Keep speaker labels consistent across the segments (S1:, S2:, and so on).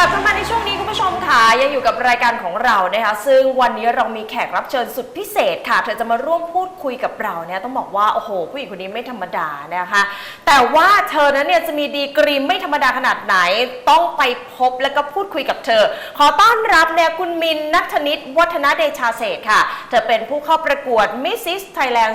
S1: ลับเข้ามาในช่วงนี้คุณผู้ชมค่ะยังอยู่กับรายการของเรานะคะซึ่งวันนี้เรามีแขกรับเชิญสุดพิเศษค่ะเธอจะมาร่วมพูดคุยกับเราเนี่ยต้องบอกว่าโอ้โหผู้หญิงคนนี้ไม่ธรรมดานะคะแต่ว่าเธอนั้นเนี่ยจะมีดีกรีไม่ธรรมดาขนาดไหนต้องไปพบและก็พูดคุยกับเธอขอต้อนรับเนี่ยคุณมินณัฐนิตวัฒนเดชาเศรษฐ์ค่ะเธอเป็นผู้เข้าประกวด Mrs. Thailand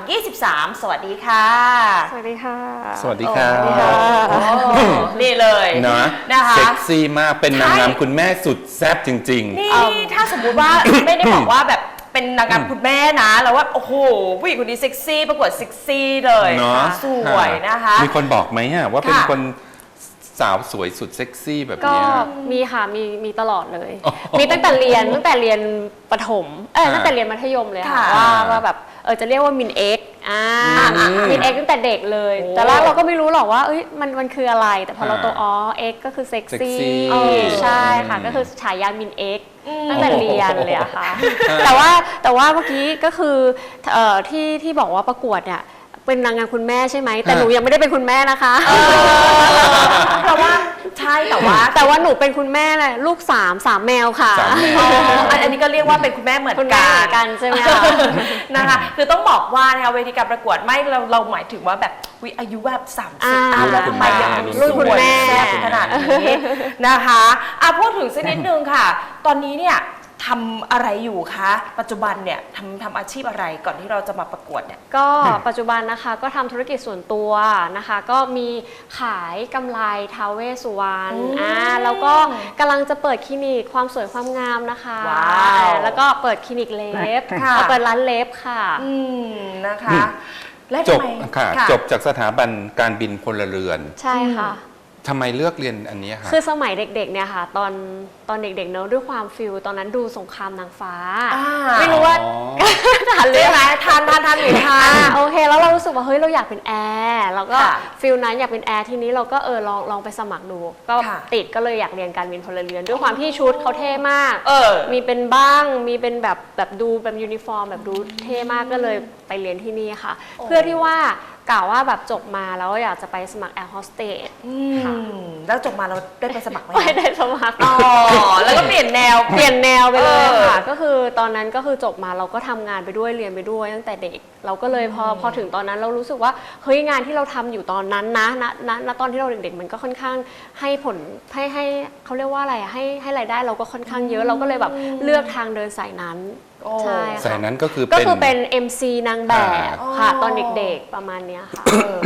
S1: 2023 สวัสดีค่ะ
S2: สวัสดีค่ะ
S3: สวัสดีครับ
S1: นี่เลย
S3: นะคะเซ็กซี่มากเป็นนางงามคุณแม่สุดแซ่บจริง
S1: ๆนี่ถ้าสมมุติว่า ไม่ได้บอกว่าแบบเป็นนางงามคุณแม่นะแล้วว่าโอ้โหผู้หญิงคนนี้เซ็กซี่ประกวดเซ็กซี่เลยสวยนะคะ
S3: มีคนบอกไหมว่าเป็นคนสาวสวยสุดเซ็กซี่แบบนี้
S2: ก็มีค่ะมีตลอดเลยมีตั้งแต่เรียนประถมตั้งแต่เรียนมัธยมเลยค่ะว่าแบบจะเรียกว่ามินเอ็กมินเอ็กตั้งแต่เด็กเลยแต่แรกเราก็ไม่รู้หรอกว่ามันคืออะไรแต่พอเราโตเอ็กก็คือเซ็กซี่ใช่ค่ะก็คือฉายามินเอ็กตั้งแต่เรียนเลยอะค่ะแต่ว่าเมื่อกี้ก็คือที่บอกว่าประกวดเนี่ยเป็นนางงามคุณแม่ใช่ไหมแต่หนูยังไม่ได้เป็นคุณแม่นะคะ
S1: เพราะว่าใช่แต่ว่า
S2: หนูเป็นคุณแม่เลยลูก3แมวค่ะ
S1: อันนี้ก็เรียกว่าเป็นคุณแม่เหมือน
S2: กันใช่ไหมคะ
S1: นะคะคือต้องบอกว่านะคะเวทีการประกวดไม่เราหมายถึงว่าแบบอายุแบบ30แล้วทำไมยัง
S2: รุ่นคุณแม่
S1: ขนาดนี้นะคะพูดถึงสักนิดนึงค่ะตอนนี้เนี่ยทำอะไรอยู่คะปัจจุบันเนี่ยทำอาชีพอะไรก่อนที่เราจะมาประกวดเนี่ย
S2: ก็ปัจจุบันนะคะก็ทำธุรกิจส่วนตัวนะคะก็มีขายกำไรท้าวเวสสุวรรณแล้วก็กำลังจะเปิดคลินิกความสวยความงามนะคะแล้วก็เปิดคลินิกเล็บเปิดร้านเล็บค่ะ
S1: นะคะ
S3: จบจากสถาบันการบินพลเรือน
S2: ใช่ค่ะ
S3: ทำไมเลือกเรียนอันนี้คะ
S2: คือสมัยเด็กๆเนี่ยค่ะตอนเด็กๆเนอะด้วยความฟิลตอนนั้นดูสงครามนางฟ้าไม่รู้ว่าทันเลยไหมทันหรือทันโอเคแล้วเรารู้สึกว่าเฮ้ยเราอยากเป็นแอร์เราก็ฟิลนั้นอยากเป็นแอร์ทีนี้เราก็ลองไปสมัครดูก็ติดก็เลยอยากเรียนการบินพลเรือนด้วยความที่ชุดเขาเท่มากมีเป็นบ้างมีเป็นแบบดูแบบยูนิฟอร์มแบบดูเท่มากก็เลยไปเรียนที่นี่ค่ะเพื่อที่ว่ากล่าวว่าแบบจบมาแล้วอยากจะไปสมัครแอร์โฮสเตส
S1: ค่ะแล้วจบมาเราได้ไปสมัครไหม
S2: ไม่ได้สมัคร
S1: แล้วก็เปลี่ยนแนว
S2: ไปเลยค่ะก็คือตอนนั้นก็คือจบมาเราก็ทำงานไปด้วยเรียนไปด้วยตั้งแต่เด็กเราก็เลยพอถึงตอนนั้นเรารู้สึกว่าเฮ้ยงานที่เราทำอยู่ตอนนั้นนะตอนที่เราเด็กๆมันก็ค่อนข้างให้ผลให้เขาเรียกว่าอะไรให้รายได้เราก็ค่อนข้างเยอะเราก็เลยแบบเลือกทางเดินสายนั้นใช่
S3: สายนั้นก็คือ
S2: เป็น MC นางแบบค่ะตอนเด็กๆประมาณนี้ค่ะ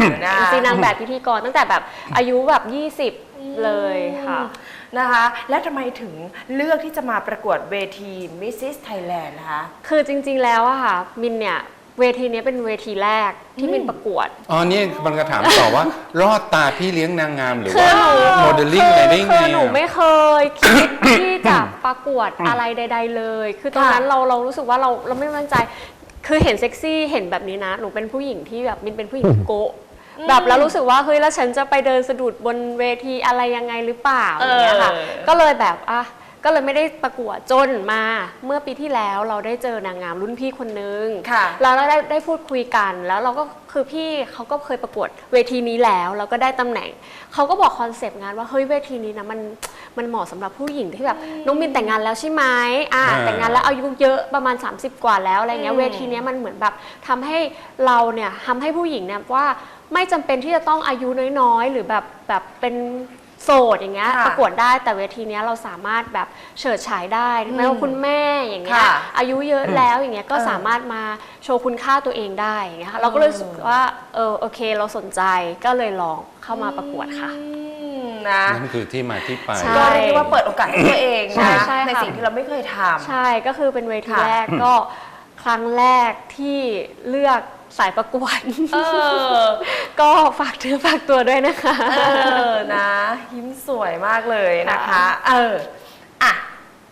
S2: MC นางแบบพิธีกรตั้งแต่แบบอายุแบบ20เลยค่ะ
S1: นะคะแล้วทำไมถึงเลือกที่จะมาประกวดเวที Mrs. Thailand นะคะ
S2: คือจริงๆแล้วอะค่ะมินเนี่ยเวทีนี้เป็นเวทีแรกที่มินประกวด
S3: นี่มันก็ถามต่อว่ารอดตาพี่เลี้ยงนางงามหรือว่าโมเดลลิ่งอะไรได้ไง
S2: หนูไม่เคยคิดที่จะประกวดอะไรใดๆเลยคือตอนนั้นเรารู้สึกว่าเราไม่มั่นใจคือเห็นเซ็กซี่เห็นแบบนี้นะหนูเป็นผู้หญิงที่แบบมินเป็นผู้หญิงโกะแบบแล้วรู้สึกว่าเฮ้ยแล้วฉันจะไปเดินสะดุดบนเวทีอะไรยังไงหรือเปล่าอย่างเงี้ยค่ะก็เลยแบบก็เลยไม่ได้ประกวดจนมาเมื่อปีที่แล้วเราได้เจอนางงามรุ่นพี่คนนึงแล้วเราได้พูดคุยกันแล้วเราก็คือพี่เขาก็เคยประกวดเวทีนี้แล้วก็ได้ตำแหน่งเขาก็บอกคอนเซปต์งานว่าเฮ้ยเวทีนี้นะมันเหมาะสำหรับผู้หญิงที่แบบน้องมินแต่งงานแล้วใช่ไหมแต่งงานแล้วอายุเยอะประมาณ30กว่าแล้วอะไรเงี้ยเวทีนี้มันเหมือนแบบทำให้เราเนี่ยทำให้ผู้หญิงเนี่ยว่าไม่จำเป็นที่จะต้องอายุน้อยๆหรือแบบเป็นโสดอย่างเงี้ยประกวดได้แต่เวทีนี้เราสามารถแบบเฉิดฉายได้แม้ว่าคุณแม่อย่างเงี้ยอายุเยอะแล้วอย่างเงี้ยก็สามารถมาโชว์คุณค่าตัวเองได้อย่างเงี้ยเราก็เลยรู้สึกว่าโอเคเราสนใจก็เลยลองเข้ามาประกวดค่ะ
S3: นั่นคือที่มาที่ไป
S1: ก็เรียกได้ว่าเปิดโอกาสให้ตัวเองนะในสิ่งที่เราไม่เคยทำ
S2: ใช่ก็คือเป็นเวทีแรกก็ครั้งแรกที่เลือกสายประกวดก็ฝากถือฝากตัวด้วยนะคะ
S1: นะยิ้มสวยมากเลยนะคะ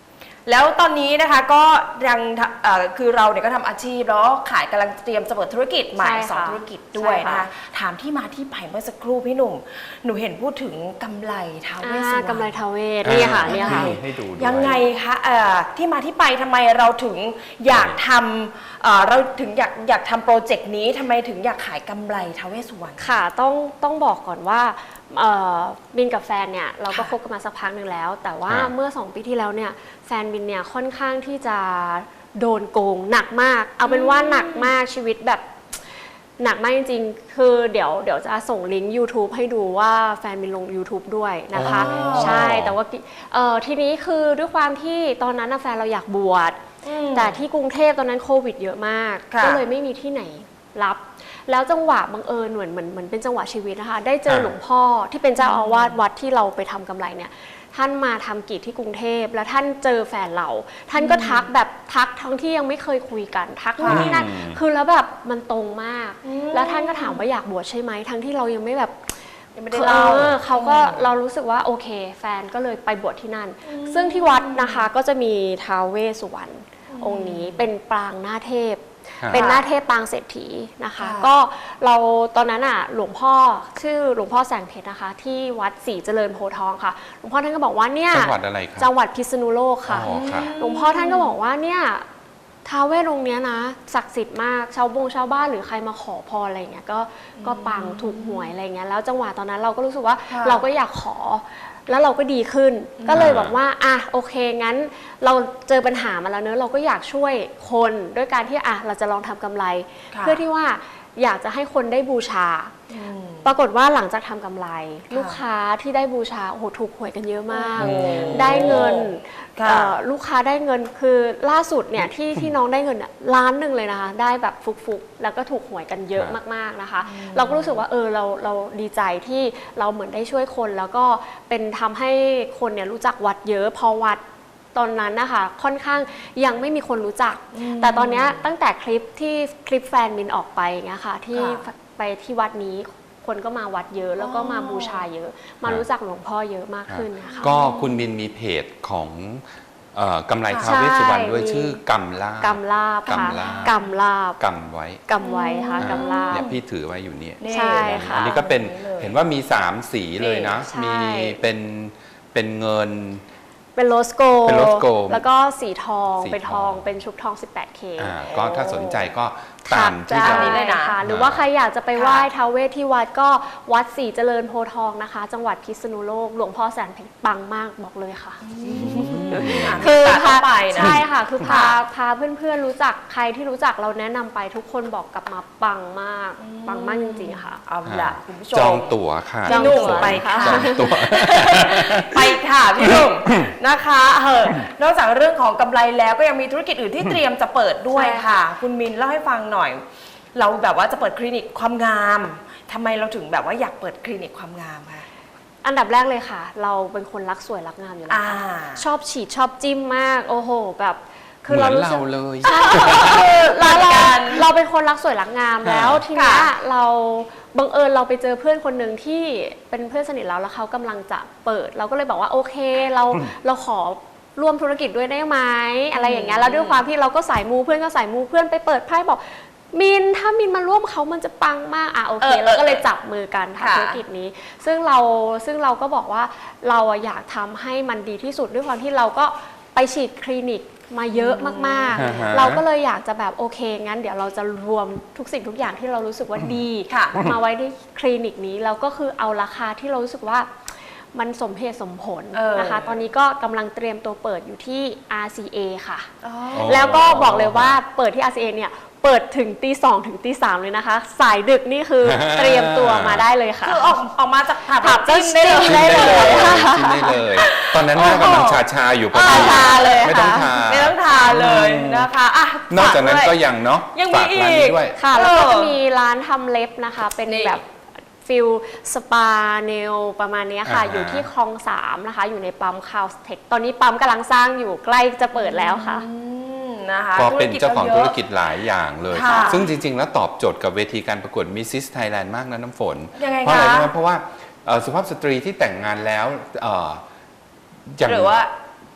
S1: แล้วตอนนี้นะคะก็ยังคือเราเนี่ยก็ทำอาชีพแล้วขายกำลังเตรียมจะเปิดธุรกิจใหม่
S2: ใช่ค่ะ
S1: 2 ธุรกิจด้วย
S2: ใช่
S1: นะ
S2: ค่ะ
S1: คะถามที่มาที่ไปเมื่อสักครู่พี่หนุ่มหนูเห็นพูดถึงกำไรท้าวเวสสุวรรณ
S2: กำไรทาเวศนี่ค่ะนี่ค่ะ
S3: ให้ดูด้วย
S1: ยังไงคะที่มาที่ไปทำไมเราถึงอยากทำเราถึงอยากทำโปรเจกต์นี้ทำไมถึงอยากขายกำไรท้าวเวสสุวรรณ
S2: ค่ะต้องบอกก่อนว่าบินกับแฟนเนี่ยเราก็คบกันมาสักพักหนึ่งแล้ว แต่ว่า
S3: ค่ะ
S2: เมื่อ2 ปีที่แล้วเนี่ยแฟนบินเนี่ยค่อนข้างที่จะโดนโกงหนักมาก เอาเป็นว่าหนักมากชีวิตแบบหนักมากจริงๆ คือเดี๋ยวจะส่งลิงก์ YouTube ให้ดูว่าแฟนบินลง YouTube ด้วยนะคะ
S3: อ๋อ
S2: ใช่แต่ว่าทีนี้คือด้วยความที่ตอนนั้นน่ะแฟนเราอยากบวช แต่ที่กรุงเทพตอนนั้นโควิดเยอะมาก
S1: ค่ะ
S2: ก็เลยไม่มีที่ไหนรับ แล้วจังหวะบังเอิญเหมือนเป็นจังหวะชีวิตนะคะ ได้เจอหลวงพ่อที่เป็นเจ้าอาวาสวัดที่เราไปทำกำไรเนี่ย ท่านมาทำกิจที่กรุงเทพแล้วท่านเจอแฟนเรา ท่านก็ทักแบบทักทั้งที่ยังไม่เคยคุยกันทักนู่นนี่นั่นคือแล้วแบบมันตรงมาก แล้วท่านก็ถามว่าอยากบวชใช่ไหมทั้งที่เรายังไม่แบบ
S1: ยังไม่ได้เล่า
S2: เขาก็เรารู้สึกว่าโอเค แฟนก็เลยไปบวชที่นั่น ซึ่งที่วัดนะคะก็จะมีท้าวเวสสุวรรณองค์นี้เป็นปรางหน้าเทพ
S3: ครับ
S2: เป็นหน้าเทพปางเศรษฐีนะคะ
S1: ค่ะ
S2: ก็เราตอนนั้นอ่ะหลวงพ่อชื่อหลวงพ่อแสงเพชรนะคะ ที่วัดศรีเจริญโพธิ์ทองค่ะหลวงพ่อท่านก็บอกว่าเนี่ย
S3: จังหวัดอะไรครับ
S2: จังหวัดพิษณุโลกค่ะ
S3: อ๋อค่ะ
S2: หลวงพ่อท่านก็บอกว่าเนี่ยท้าวเวสองค์เนี้ยนะศักดิ์สิทธิ์มากชาวบ้านหรือใครมาขอพรอะไรเงี้ยก็ปังถูกหวยอะไรเงี้ยแล้วจังหวะตอนนั้นเราก็รู้สึกว่า
S1: ค่ะ
S2: เราก็อยากขอ แล้วเราก็ดีขึ้น ก็เลยบอกว่าอ่ะโอเคงั้นเราเจอปัญหามาแล้วเนอะเราก็อยากช่วยคนด้วยการที่อ่ะเราจะลองทำกำไร
S1: ค่ะ
S2: เพื่อที่ว่าอยากจะให้คนได้บูชา ปรากฏว่าหลังจากทำกำไร ลูกค้าที่ได้บูชาโอ้โหถูกหวยกันเยอะมาก
S1: โอ้
S2: ได้เงิน
S1: ค่ะ
S2: ลูกค้าได้เงินคือล่าสุดเนี่ยที่น้องได้เงินล้านหนึ่งเลยนะคะได้แบบฟุกๆแล้วก็ถูกหวยกันเยอะ
S3: ครับ
S2: มากๆนะคะ เราก็รู้สึกว่าเราดีใจที่เราเหมือนได้ช่วยคน แล้วก็เป็นทำให้คนเนี่ยรู้จักวัดเยอะพอวัดตอนนั้นนะคะค่อนข้างยังไม่มีคนรู้จัก แต่ตอนเนี้ยตั้งแต่คลิปแฟนมินออกไปอย่างเงี้ยค่ะที่
S1: ค่ะ
S2: ไปที่วัดนี้คนก็มาวัดเยอะ แล้วก็มาบูชาเยอะ มารู้จักหลวงพ่อเยอะมากขึ้นนะคะ
S3: ก็คุณบินมีเพจของกำไรท้าวเวสสุวรรณด้วย
S2: ใช่
S3: ชื่อกำลาบ
S2: กำลาบค่ะ
S3: กำลาบ
S2: กำลาบ
S3: กำไว้
S2: กำไว้ค่ะกำลาบ
S3: เนี่ยพี่ถือไว้อยู่เนี่ย
S2: ใช่ค่ะ
S3: อันนี้ก็เป็น
S1: นี่เลย
S3: เห็นว่ามี 3 สีเลยนะ
S2: ใช่
S3: มีเป็นเงิน
S2: เป็นโรสโก
S3: เป็นโรสโก
S2: แล้วก็สีทอง
S3: สี
S2: เป็นท
S3: ท
S2: อ
S3: อง ง
S2: เป็นชุบทอง 18K
S3: ก็ถ้าสนใจก็ตามที่
S2: ได้
S3: เรา
S1: นี้เลยนะ
S2: ค่ะหรือว่าใครอยากจะไปไหว้ท้าวเวสที่วัดก็วัดศรีเจริญโพธิ์ทองนะคะ จังหวัดพิษณุโลกหลวงพ่อแสนเพชรปังมากบอกเลยค่ะ
S1: คือ
S2: พา
S1: พาไปนะ
S2: ใช่ค่ะ คือพา
S1: ค่ะ
S2: พาเพื่อนๆรู้จักใครที่รู้จักเราแนะนำไปทุกคนบอกกลับมาปังมากปังมากจริงๆค่ะ
S1: เอาละคุณผู้ชม
S3: จองตั๋วค่ะ
S1: พี่หนุ่มไปค่ะ
S3: จองตั๋ว
S1: ไปค่ะพี่หนุ่มนะคะนอกจากเรื่องของกำไรแล้วก็ยังมีธุรกิจอื่นที่เตรียมจะเปิดด้วย
S2: ใช่
S1: ค่ะ คุณมินเล่าให้ฟังหน่อย เราแบบว่าจะเปิดคลินิกความงามทำไมเราถึงแบบว่าอยากเปิดคลินิกความงามคะ
S2: อันดับแรกเลยค่ะ เราเป็นคนรักสวยรักงามอยู่แล้วค่ะ
S1: อ่า
S2: ชอบฉีดชอบจิ้มมาก โอ้โห แบบ
S3: เหมือน
S2: รู้สึ
S3: เรา
S2: ก
S3: เลย
S2: เราเป็นคนรักสวยรักงาม
S3: ค่ะ
S2: แล้วทีเนี้ย
S1: ค่ะ
S2: เราบังเอิญเราไปเจอเพื่อนคนหนึ่งที่เป็นเพื่อนสนิทเราแล้วเขากำลังจะเปิด เราก็เลยบอกว่าโอเคเราขอร่วมธุรกิจด้วยได้ไหมอะไรอย่างเงี้ยแล้วด้วยความที่เราก็สายมูเพื่อนก็สายมูเพื่อนไปเปิดไพ่บอกมินถ้ามินมาร่วมเขามันจะปังมากโอเคเราก็เลยจับมือกัน
S1: ค่ะ
S2: ทำธุรกิจนี้ ซึ่งเราก็บอกว่าเราอยากทำให้มันดีที่สุดด้วยความที่เราก็ไปฉีดคลินิกมาเยอะมาก
S3: อ่าฮะ
S2: ๆ เราก็เลยอยากจะแบบโอเคงั้นเดี๋ยวเราจะรวมทุกสิ่งทุกอย่างที่เรารู้สึกว่าดี
S1: ค่ะ
S2: มาไว้ที่คลินิกนี้แล้วก็คือเอาราคาที่เรารู้สึกว่ามันสมเหตุสมผลนะคะ ตอนนี้ก็กำลังเตรียมตัวเปิดอยู่ที่ RCA ค่ะ
S1: อ๋อ
S2: แล้วก็บอกเลยว่าเปิดที่ RCA เนี่ยเปิดถึงตี 2 ถึงตี 3 เลยนะคะ สายดึกนี่คือเตรียมตัวมาได้เลยค่ะ
S1: คือออกมาจากผับ
S2: ผับ
S1: จิ้มได้เลย
S2: จิ้ม
S3: ได้เลยจิ้มได้เลย ตอนนั้นหน้ากำลังชาอยู่พอดี
S2: ทาเลย
S3: ไม่ต้อง
S2: ค่ะ
S3: ทา
S1: ไม่ต้องทาเลยนะคะอ่ะ
S3: นอกจากนั้น
S1: ฝ
S3: ก็
S1: ด้วย
S3: ยังเนาะ
S1: ยังมี
S3: ฝากร้าน
S1: อี
S3: นี้
S1: ก
S3: ด้วย
S2: ค่ะ แล้วก็จะมีร้านทำเล็บนะคะ เป็น
S1: นี่
S2: แบบฟิลสปาเนลประมาณเนี้ยค่ะ
S3: อ่าฮะ
S2: อยู่ที่คลอง 3 นะคะ อยู่ในปั๊มคาวสเทคตอนนี้ปั๊มกำลังสร้างอยู่ใกล้จะเปิดแล้วค่ะ
S1: นะคะ
S3: ก็เป็นเจ้าของธุรกิ
S1: จ
S3: จหลายอย่างเลย
S1: ค่ะ
S3: ซึ่งจริง ๆ แล้วตอบโจทย์กับเวทีการประกวด Mrs. Thailand มากนะน้ำฝน
S1: ยังไง
S3: เพราะอะไร
S1: คะ
S3: รู้ไหมเพราะว่าสุภาพสตรีที่แต่งงานแล้วอย่าง
S1: หรือว่า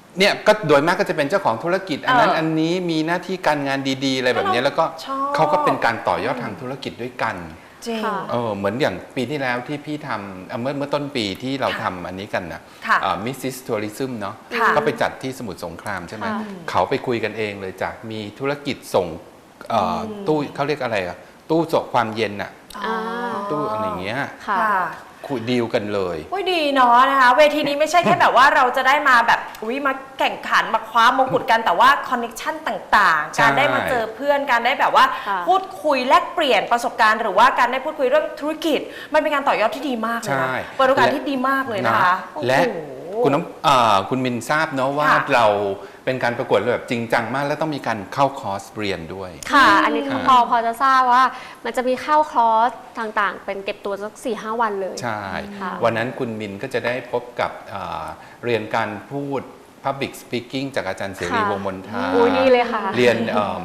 S3: เนี่ยก็โดยมากก็จะเป็นเจ้าของธุรกิจอันนั้น
S1: อัน
S3: นี้มีหน้าที่การงานดีๆอะไรแบบนี้แล้วก็
S1: ชอบ
S3: เขาก็เป็นการต่อยอดทางธุรกิจด้วยกัน
S1: จริง
S2: ค่ะ
S3: เหมือนอย่างปีที่แล้วที่พี่ทำเมื่อต้นปีที่เราทำอันนี้กันนะ
S1: ค่ะ
S3: มิสซิสทัวริซึมเนาะ
S1: ค่ะ
S3: ก็ไปจัดที่สมุทรสงครามใช่ไหม
S2: ค่ะ
S3: เขาไปคุยกันเองเลยจากมีธุรกิจส่งตู้เขาเรียกอะไรอะตู้ส่งความเย็นอะ
S2: อ่า
S3: ตู้อะไรอย่างเงี้ย
S2: ค่ะ
S3: คุยดีลกันเลย
S1: โอ้ยดีเนาะนะคะเวทีนี้ไม่ใช่แค่แบบว่าเราจะได้มาแบบมาแข่งขันมาคว้ามงกุฎกันแต่ว่าคอนเนคชั่นต่างๆ
S3: ใช่
S1: การได้มาเจอเพื่อนการได้แบบว่า
S2: ค่ะ
S1: พูดคุยแลกเปลี่ยนประสบการณ์หรือว่าการได้พูดคุยเรื่องธุรกิจ มันเป็นการต่อยอดที่ดีมากเลยนะเปิดโอกาสที่ดีมากเลยนะคะโอ้โห
S3: และคุณมินทราบเนาะว่า
S1: ค่ะ
S3: เราเป็นการประกวดแบบจริงจังมากแล้วต้องมีการเข้าคอร์สเรียนด้วย
S2: ค่ะ อันนี้คือพอจะทราบว่ามันจะมีเข้าคอร์สต่างๆ เป็นเก็บตัวสัก 4-5 วันเลย
S3: ใช่
S2: ค่ะ
S3: วันนั้นคุณมินก็จะได้พบกับเรียนการพูด Public Speaking จากอาจารย์เสรี
S2: ค่ะ
S3: วงศ์มนทา
S2: อุ้ยดีเลยค่ะ
S3: เรียน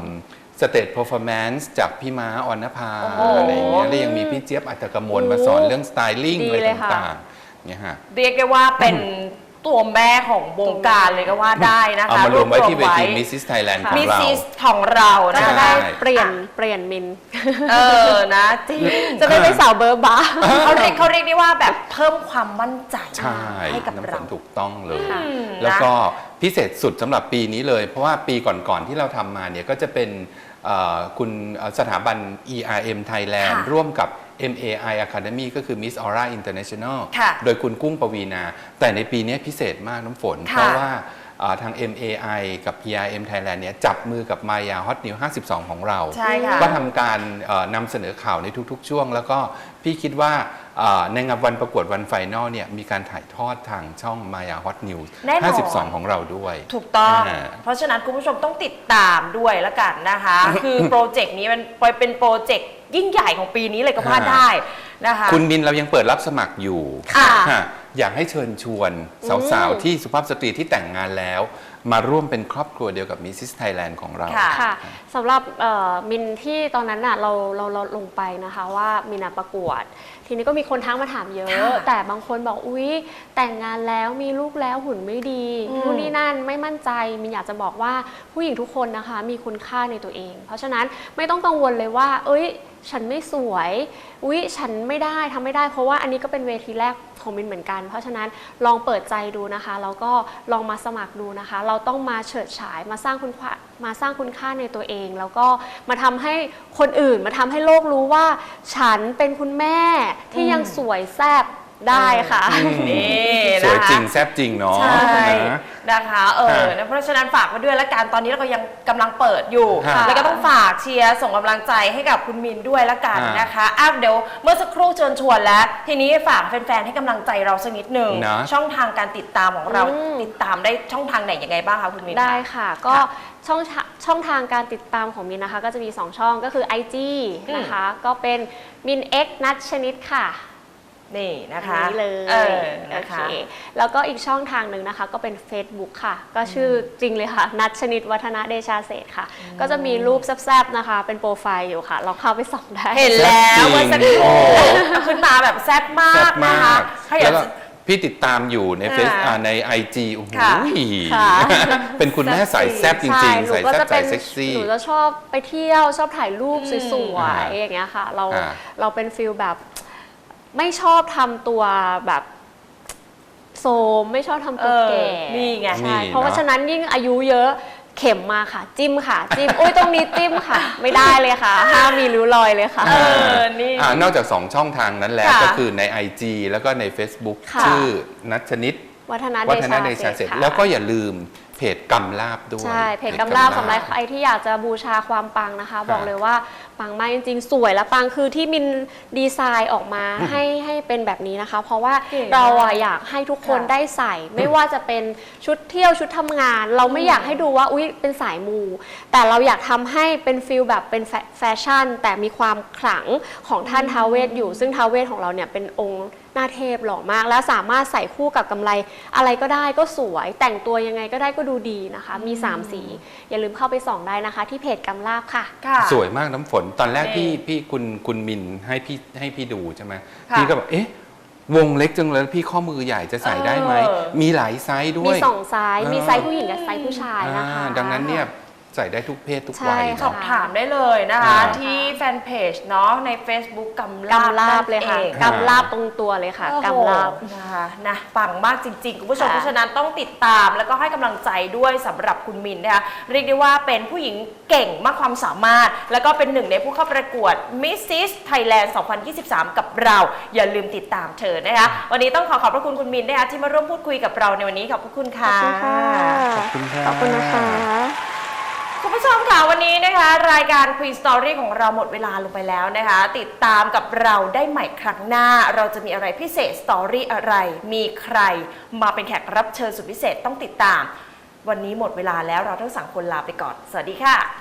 S3: Stage Performance จากพี่ม้าออนภา
S1: โอ้โห
S3: อะไรอย่างเงี้ยแล้วยังมีพี่เจี๊ยบอัตกมลมาสอนเรื่องสไตลิ่ง
S2: ดี
S3: อะไร
S2: เลยค่ะ
S3: ต่างๆเนี่ยฮะ
S1: เรียกได้ว่าเป็นตัวแม่ของวงการเลยก็ว่าได้นะคะ
S3: เอามารวมไว้ที่เวที
S1: ร
S3: Mrs. Thailand
S2: ค่ะ
S3: ของ
S1: มิส
S3: เรา
S1: ซิสของเรา
S2: ก็
S1: นะ
S2: จะ
S1: คะ
S2: ได้
S3: ใช่
S2: เปลี่ยนมิน
S1: นะจริง
S2: จะได้ไปสาวเบอร์บาร์
S1: เขาเรียกได้ว่าแบบเพิ่มความมั่นใจ
S3: ใช่
S1: ให้กับ
S3: น้ำฝ
S1: เรา
S3: นถูกต้องเลย
S2: ค่ะ
S3: แล้วก็พิเศษสุดสำหรับปีนี้เลย เพราะว่าปีก่อนๆที่เราทำมาเนี่ยก็จะเป็นคุณสถาบัน ERM Thailand
S1: ค่ะ
S3: ร่วมกับ MAI Academy ก็คือ Miss Aura International
S1: ค่ะ
S3: โดยคุณกุ้งปวีนา แต่ในปีนี้พิเศษมากน้ำฝน
S1: ค่ะ
S3: เพราะว่าทาง MAI กับ ERM Thailand เนี่ยจับมือกับ Maya Hot News 52 ของเรา
S1: ใช่ค่ะ
S3: ก็ทำการนำเสนอข่าวในทุกๆ ช่วง แล้วก็พี่คิดว่าในงานวันประกวดวันไฟนอลเนี่ยมีการถ่ายทอดทางช่อง Maya Hot News
S1: แน่นอน
S3: 52 ของเราด้วย
S1: ถูกต้อง
S3: อ่า
S1: เพราะฉะนั้นคุณผู้ชมต้องติดตามด้วยละกันนะคะ คือโปรเจกต์นี้มันเป็นโปรเจกต์ยิ่งใหญ่ของปีนี้เลยก็ว่าได้นะคะ
S3: คุณมินเรายังเปิดรับสมัครอยู่
S1: ค่ะ
S3: ค่ะอยากให้เชิญชวนสาวๆ ที่สุภาพสตรีที่แต่งงานแล้ว มาร่วมเป็นครอบครัวเดียวกับ Mrs. Thailand ของเรา
S1: ค่ะ
S2: ค่ะสำหรับมินที่ตอนนั้นน่ะเราลงไปนะคะว่ามินประกวด ทีนี้ก็มีคนทักมาถามเยอะ
S1: ค่ะ
S2: แต่บางคนบอกอุ๊ยแต่งงานแล้วมีลูกแล้วหุ่นไม่ดีนู่นนี่นั่นไม่มั่นใจมินอยากจะบอกว่าผู้หญิงทุกคนนะคะมีคุณค่าในตัวเอง เพราะฉะนั้นไม่ต้องกังวลเลยว่า เอ้ยฉันไม่สวยอุ๊ยฉันไม่ได้ทำไม่ได้เพราะว่าอันนี้ก็เป็นเวทีแรกของมินเหมือนกัน เพราะฉะนั้นลองเปิดใจดูนะคะแล้วก็ลองมาสมัครดูนะคะ เราต้องมาเฉิดฉายมาสร้างคุณค่าในตัวเอง แล้วก็มาทำให้คนอื่นมาทำให้โลกรู้ว่า ฉันเป็นคุณแม่ที่ยังสวยแซ่บได้ค่ะ
S1: นี่
S3: สวย
S1: นะคะ
S3: จริงแซ่บจริงเนาะ
S1: ใช่
S3: นะ
S1: นะคะนะเพราะฉะนั้นฝากไว้ด้วยละกันตอนนี้เราก็ยังกำลังเปิดอยู่
S3: ค่ะ
S1: แล้วก็ต้องฝากเชียร์ส่งกำลังใจให้กับคุณมินด้วยละกัน
S3: ค่ะ
S1: นะคะเดี๋ยวเมื่อสักครู่เชิญชวนแล้ว ทีนี้ฝากแฟนๆให้กำลังใจเราสักนิดหนึ่ง
S3: นะ
S1: ช่องทางการติดตามของเรา
S2: อืม
S1: ติดตามได้ช่องทางไหนยังไงบ้างคะคุณมิน
S2: ได้ค่ะก็
S1: ค่ะ
S2: ช่องทางการติดตามของมินนะคะก็จะมี 2 ช่องก็คือ IG นะคะก็เป็นมิน X นัทชนิดค่ะ
S1: นี่นะคะ
S2: อันนี้เลย
S1: นะ
S2: โอเค
S1: คะ
S2: แล้วก็อีกช่องทางหนึ่งนะคะก็เป็น Facebook ค่ะ ก็ชื่อจริงเลยค่ะ นัทชนิดวัฒนะเดชาเศรษฐ์ค่ะ ก็จะมีรูปแซบๆนะคะ เป็นโปรไฟล์อยู่ค่ะ เราเข้าไปส่องได้
S1: เห็นแล้วว่าสักครู่
S3: โอ้
S1: ขึ้นมาแบบแซ่บมา
S3: แซ่
S1: ก
S3: บ
S1: นะ
S3: มา
S1: คะ
S3: ก
S1: ถ้าอยา
S3: แล้
S1: ก
S3: วก็
S1: จะ
S3: พี่ติดตามอยู่ในใน IG โอ้โห
S1: ค่ะ
S2: ค่ะ
S3: เป็นคุณแม่สายแซ่บจริงๆ
S2: ใช่
S3: สายแซ่บสายเซ็กซี่
S2: หนูจะชอบไปเที่ยวชอบถ่ายรูปสวย
S3: อ่า
S2: ๆอย่างเงี้ยค่ะ
S3: อ่า
S2: เราเป็นฟิลแบบไม่ชอบทำตัวแบบโซมไม่ชอบทำตัวแก่
S1: นี่ไง
S2: ใช่
S3: นี่
S2: เพราะว่า
S3: เนอะ
S2: ฉะนั้นยิ่งอายุเยอะเข็มมาค่ะ จิ้มค่ะ จิ้มอุ้ยตรงนี้จิ้มค่ะ ไม่ได้เลยค่ะห้ามมีริ้วรอยเลยค่ะ
S1: นี่
S3: นอกจาก 2 ช่องทางนั้นแล้ว
S1: ค่ะ
S3: ก็คือใน IG แล้วก็ใน Facebook
S2: ค่ะ
S3: ชื่อนัทชนิด
S2: วัฒน
S3: วัฒนเด
S2: เด
S3: ชา
S2: ชา
S3: เศ
S2: เศ
S3: ร
S2: ร
S3: ษ
S2: ษ
S3: ฐ์
S2: ฐ์
S3: แล้วก็อย่าลืมเพจกำลาบด้วย
S2: ใช่เพจกำลาบสำหรับใครที่อยากจะบูชาความปังนะคะ บอกเลยว่าปังมากจริงๆ สวยและปังคือที่มินดีไซน์ออกมาให้เป็นแบบนี้นะคะ เพราะว่า
S1: เก๋มาก
S2: เราอะอยากให้ทุกคน
S1: ค่ะ
S2: ได้ใส่ ไม่ว่าจะเป็นชุดเที่ยวชุดทำงาน เราไม่อยากให้ดูว่าอุ๊ยเป็นสายมู แต่เราอยากทำให้เป็นฟิลแบบเป็นแฟชั่น แต่มีความขลังของท่านท้าวเวสอยู่ ซึ่งท้าวเวสของเราเนี่ยเป็นองค์หน้าเทพหล่อมาก และสามารถใส่คู่กับกำไรอะไรก็ได้ก็สวย แต่งตัวยังไงก็ได้ก็ดูดีนะคะ มี 3 สี อย่าลืมเข้าไปส่องได้นะคะ ที่เพจกำลาบค่ะ
S1: ค่ะ
S3: สวยมากน้ำฝนตอนแรก
S1: นี่
S3: พี่คุณมินให้พี่ดูใช่ไหม
S1: ค่ะ
S3: พี่ก็แบบเอ๊ะวงเล็กจังเลยพี่ข้อมือใหญ่จะใส่ได้ไหม มีหลายไซส์ด้
S2: มี
S3: วย
S2: 2 ไซส์มีไซส์ผู้หญิงกับไซส์ผู้ชายนะคะ
S3: ดังนั้นเนี่ยใส่ได้ทุกเพศทุก
S2: ใช่
S3: วัย
S2: ค่ะ
S1: สอบถามได้เลยนะคะ
S3: อ่า
S1: ที่แฟนเพจเนาะใน Facebook กำ
S2: กำลาบเลยค่ะ
S1: นั่นอง
S2: กำลาบตรงตัวเลยค่ะ
S1: โอ้โห
S2: กำลาบ
S1: นะคะนะปังมากจริงๆ คุณผู้ชม
S2: ค่ะ
S1: เพราะฉะนั้นต้องติดตามแล้วก็ให้กำลังใจด้วยสำหรับคุณมินนะคะเรียกได้ว่าเป็นผู้หญิงเก่งมากความสามารถ แล้วก็เป็นหนึ่งในผู้เข้าประกวด Mrs. Thailand 2023 กับเรา อย่าลืมติดตามเธอนะคะวันนี้ต้องขอบพระคุณคุณมินนะคะที่มาร่วมพูดคุยกับเราในวันนี้ขอบพระคุณค่ะ
S3: ขอบคุณครับ
S2: ขอบคุณนะคะ
S1: คุณผู้ชมค่ะวันนี้นะคะรายการ Queen Story ของเราหมดเวลาลงไปแล้วนะคะติดตามกับเราได้ใหม่ครั้งหน้า เราจะมีอะไรพิเศษสตอรี่อะไร มีใครมาเป็นแขกรับเชิญสุดพิเศษต้องติดตาม วันนี้หมดเวลาแล้วเราทั้ง3คนลาไปก่อนสวัสดีค่ะ